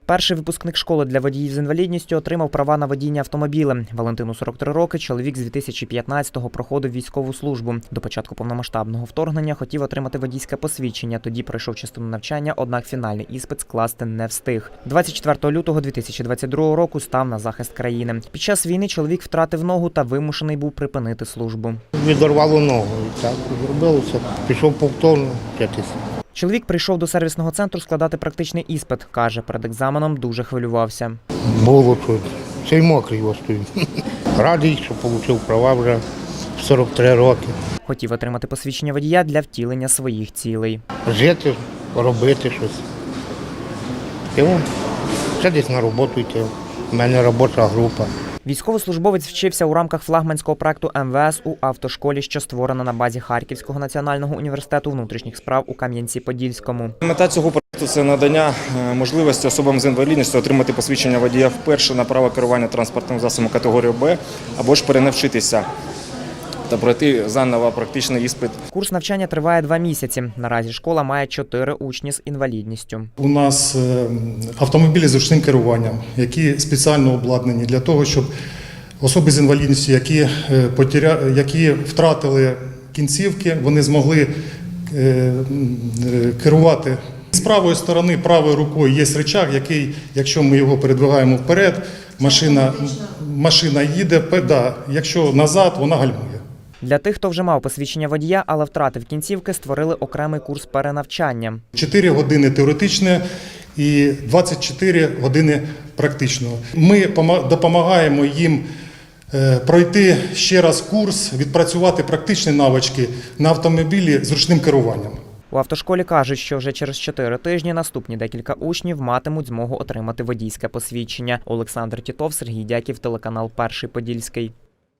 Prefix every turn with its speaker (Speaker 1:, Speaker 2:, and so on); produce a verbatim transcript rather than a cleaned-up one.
Speaker 1: Перший випускник школи для водіїв з інвалідністю отримав права на водіння автомобілем. Валентину сорок три роки, чоловік з дві тисячі п'ятнадцятого проходив військову службу. До початку повномасштабного вторгнення хотів отримати водійське посвідчення, тоді пройшов частину навчання, однак фінальний іспит скласти не встиг. двадцять четвертого лютого дві тисячі двадцять другого року став на захист країни. Під час війни чоловік втратив ногу та вимушений був припинити службу.
Speaker 2: Відорвало ногу, і так зробилося, пішов повторно вчитися.
Speaker 1: Чоловік прийшов до сервісного центру складати практичний іспит. Каже, перед екзаменом дуже хвилювався.
Speaker 2: Було чуть, ще й мокрий ось стоїть. Радий, що отримав права вже в сорок три роки.
Speaker 1: Хотів отримати посвідчення водія для втілення своїх цілей.
Speaker 2: Жити, робити щось. І вон, ще десь на роботу йти. У мене робоча група.
Speaker 1: Військовослужбовець вчився у рамках флагманського проекту ем ве ес у автошколі, що створена на базі Харківського національного університету внутрішніх справ у Кам'янці-Подільському.
Speaker 3: Мета цього проекту – це надання можливості особам з інвалідністю отримати посвідчення водія вперше на право керування транспортним засобом категорії Б або ж перенавчитися та пройти заново практичний іспит.
Speaker 1: Курс навчання триває два місяці. Наразі школа має чотири учні з інвалідністю.
Speaker 4: У нас автомобілі з ручним керуванням, які спеціально обладнані для того, щоб особи з інвалідністю, які, потеря... які втратили кінцівки, вони змогли керувати. З правої сторони, правою рукою є рычаг, який, якщо ми його передвигаємо вперед, машина, машина їде, да, якщо назад, вона гальмує.
Speaker 1: Для тих, хто вже мав посвідчення водія, але втратив кінцівки, створили окремий курс перенавчання.
Speaker 4: чотири години теоретичне і двадцять чотири години практичного. Ми допомагаємо їм пройти ще раз курс, відпрацювати практичні навички на автомобілі з ручним керуванням.
Speaker 1: У автошколі кажуть, що вже через чотири тижні наступні декілька учнів матимуть змогу отримати водійське посвідчення. Олександр Тітов, Сергій Дяків, телеканал Перший Подільський.